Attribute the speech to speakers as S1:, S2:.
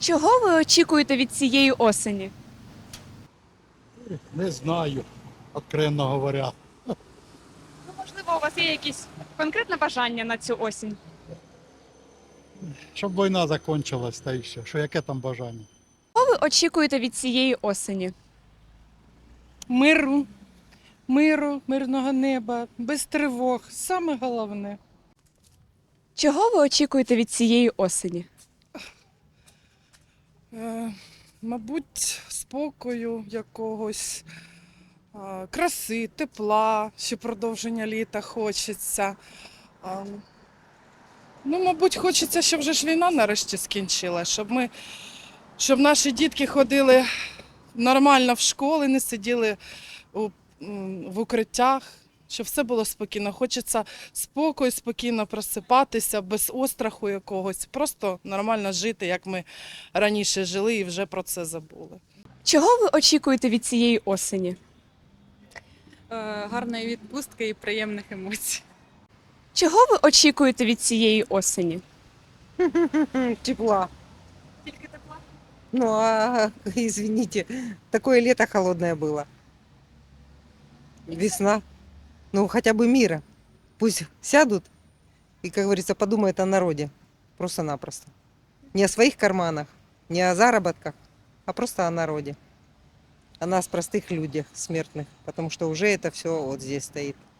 S1: Чого ви очікуєте від цієї осені?
S2: Не знаю, откровенно говоря.
S1: Ну, можливо, у вас є якісь конкретне бажання на цю осінь?
S2: Щоб війна закінчилась, та й все. Що яке там бажання?
S1: Чого ви очікуєте від цієї осені?
S3: Миру, мирного неба, без тривог. Саме головне.
S1: Чого ви очікуєте від цієї осені?
S3: Мабуть, спокою якогось, краси, тепла, ще продовження літа хочеться. Ну, мабуть, хочеться, щоб вже ж війна нарешті скінчилась, щоб наші дітки ходили нормально в школи, не сиділи в укриттях, щоб все було спокійно. Хочеться спокою, спокійно просипатися, без остраху якогось, просто нормально жити, як ми раніше жили і вже про це забули.
S1: Чого ви очікуєте від цієї осені?
S4: Гарної відпустки і приємних емоцій.
S1: Чого ви очікуєте від цієї осені?
S5: Тепла.
S1: Тільки тепла.
S5: Ну, извините, такое лето холодное было. Весна. Ну, хотя бы мира. Пусть сядут и, как говорится, подумают о народе. Просто-напросто. Не о своих карманах, не о заработках, а просто о народе. О нас, простых людях, смертных. Потому что уже это все вот здесь стоит.